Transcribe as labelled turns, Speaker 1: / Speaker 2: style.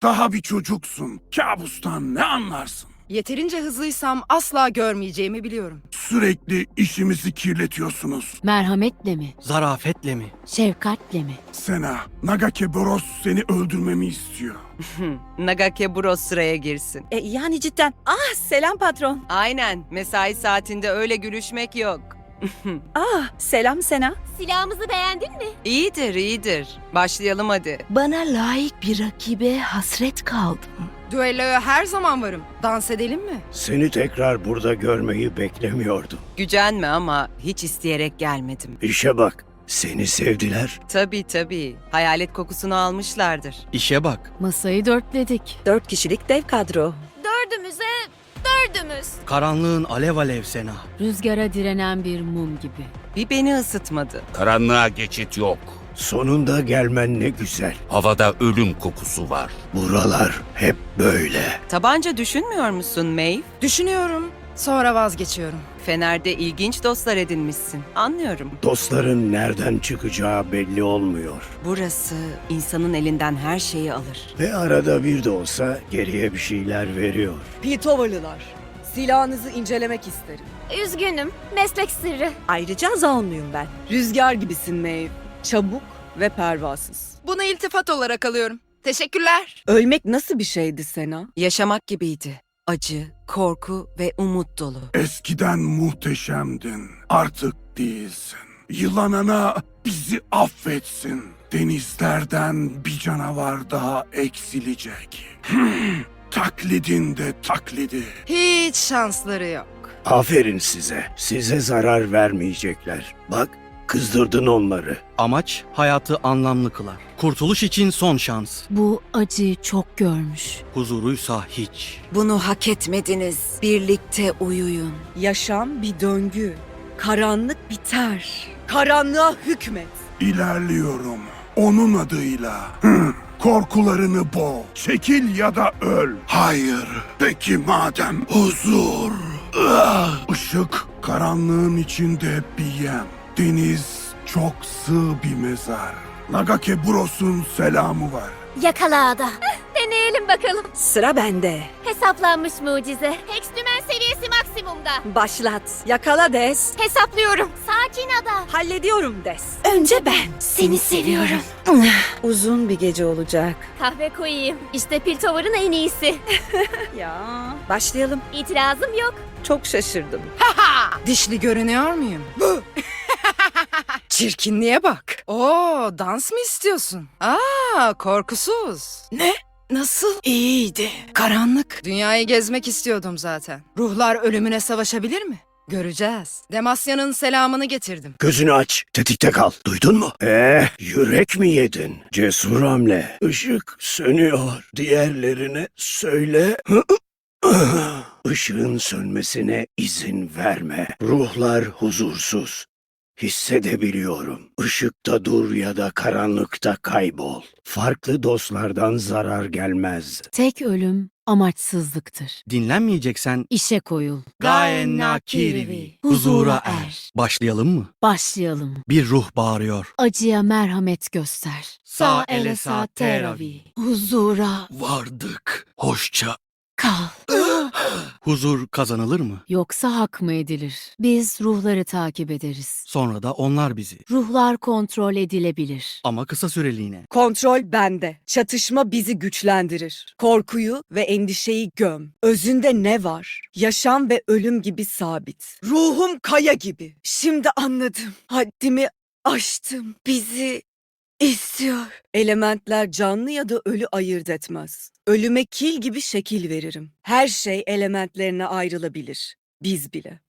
Speaker 1: Daha bir çocuksun. Kabustan ne anlarsın?
Speaker 2: Yeterince hızlıysam asla görmeyeceğimi biliyorum.
Speaker 1: Sürekli işimizi kirletiyorsunuz.
Speaker 3: Merhametle mi?
Speaker 4: Zarafetle mi?
Speaker 3: Şefkatle mi?
Speaker 1: Sena, Nagake Boros seni öldürmemi istiyor.
Speaker 5: Nagake Bros sıraya girsin.
Speaker 6: Yani cidden. Ah, selam patron.
Speaker 5: Aynen, mesai saatinde öyle gülüşmek yok.
Speaker 6: Ah, selam Sena.
Speaker 7: Silahımızı beğendin mi?
Speaker 5: İyidir, iyidir. Başlayalım hadi.
Speaker 8: Bana layık bir rakibe hasret kaldım.
Speaker 2: Düelloya her zaman varım. Dans edelim mi?
Speaker 9: Seni tekrar burada görmeyi beklemiyordum.
Speaker 5: Gücenme ama hiç isteyerek gelmedim.
Speaker 9: İşe bak, seni sevdiler.
Speaker 5: Tabii. Hayalet kokusunu almışlardır.
Speaker 4: İşe bak.
Speaker 3: Masayı dörtledik.
Speaker 6: 4 kişilik dev kadro.
Speaker 7: Dördümüze dördümüz.
Speaker 4: Karanlığın alev alev Sena.
Speaker 3: Rüzgara direnen bir mum gibi.
Speaker 5: Bir beni ısıtmadı.
Speaker 10: Karanlığa geçit yok.
Speaker 9: Sonunda gelmen ne güzel.
Speaker 10: Havada ölüm kokusu var.
Speaker 9: Buralar hep böyle.
Speaker 5: Tabanca düşünmüyor musun Maeve?
Speaker 2: Düşünüyorum. Sonra vazgeçiyorum.
Speaker 5: Fener'de ilginç dostlar edinmişsin. Anlıyorum.
Speaker 9: Dostların nereden çıkacağı belli olmuyor.
Speaker 5: Burası insanın elinden her şeyi alır.
Speaker 9: Ve arada bir de olsa geriye bir şeyler veriyor.
Speaker 11: Piltovalılar, silahınızı incelemek isterim.
Speaker 7: Üzgünüm. Meslek sırrı.
Speaker 6: Ayrıca Zaunluyum ben.
Speaker 11: Rüzgar gibisin Maeve. Çabuk ve pervasız.
Speaker 2: Bunu iltifat olarak alıyorum. Teşekkürler.
Speaker 11: Ölmek nasıl bir şeydi Sena?
Speaker 5: Yaşamak gibiydi. Acı, korku ve umut dolu.
Speaker 1: Eskiden muhteşemdin. Artık değilsin. Yılan ana bizi affetsin. Denizlerden bir canavar daha eksilecek. Taklidin de taklidi.
Speaker 2: Hiç şansları yok.
Speaker 9: Aferin size. Size zarar vermeyecekler. Bak, kızdırdın onları.
Speaker 4: Amaç hayatı anlamlı kılar. Kurtuluş için son şans.
Speaker 3: Bu acıyı çok görmüş.
Speaker 4: Huzuruysa hiç.
Speaker 5: Bunu hak etmediniz. Birlikte uyuyun.
Speaker 11: Yaşam bir döngü. Karanlık biter. Karanlığa hükmet.
Speaker 1: İlerliyorum. Onun adıyla. Korkularını boğ. Çekil ya da öl. Hayır. Peki madem huzur. Işık karanlığın içinde bir yem. Deniz çok sığ bir mezar. Nagake Bros'un selamı var.
Speaker 7: Yakala ada. Deneyelim bakalım.
Speaker 6: Sıra bende.
Speaker 7: Hesaplanmış mucize. Hextümen seviyesi maksimumda.
Speaker 6: Başlat. Yakala Des.
Speaker 7: Hesaplıyorum. Sakin ada.
Speaker 6: Hallediyorum Des.
Speaker 7: Önce ben. Seni seviyorum.
Speaker 6: Uzun bir gece olacak.
Speaker 7: Kahve koyayım. İşte Piltover'ın en iyisi.
Speaker 6: Ya. Başlayalım.
Speaker 7: İtirazım yok.
Speaker 6: Çok şaşırdım.
Speaker 2: Dişli görünüyor muyum? Çirkinliğe bak. Oo, dans mı istiyorsun? Korkusuz. Ne? Nasıl? İyiydi. Karanlık. Dünyayı gezmek istiyordum zaten. Ruhlar ölümüne savaşabilir mi? Göreceğiz. Demasya'nın selamını getirdim.
Speaker 9: Gözünü aç, tetikte kal. Duydun mu? Yürek mi yedin? Cesur hamle. Işık sönüyor. Diğerlerine söyle. Işığın sönmesine izin verme. Ruhlar huzursuz. Hissedebiliyorum. Işıkta dur ya da karanlıkta kaybol. Farklı dostlardan zarar gelmez.
Speaker 3: Tek ölüm amaçsızlıktır.
Speaker 4: Dinlenmeyeceksen
Speaker 3: İşe koyul.
Speaker 4: Gaen Nakirivi. Huzura er. Başlayalım mı?
Speaker 3: Başlayalım.
Speaker 4: Bir ruh bağırıyor.
Speaker 3: Acıya merhamet göster.
Speaker 4: Sa elesa teravi.
Speaker 3: Huzura
Speaker 4: Vardık. Hoşça.
Speaker 3: kal.
Speaker 4: Huzur kazanılır mı?
Speaker 3: Yoksa hak mı edilir? Biz ruhları takip ederiz.
Speaker 4: Sonra da onlar bizi.
Speaker 3: Ruhlar kontrol edilebilir.
Speaker 4: Ama kısa süreliğine.
Speaker 11: Kontrol bende. Çatışma bizi güçlendirir. Korkuyu ve endişeyi göm. Özünde ne var? Yaşam ve ölüm gibi sabit. Ruhum kaya gibi. Şimdi anladım. Haddimi aştım. Bizi istiyor. Elementler canlı ya da ölü ayırt etmez. Ölüme kil gibi şekil veririm. Her şey elementlerine ayrılabilir. Biz bile.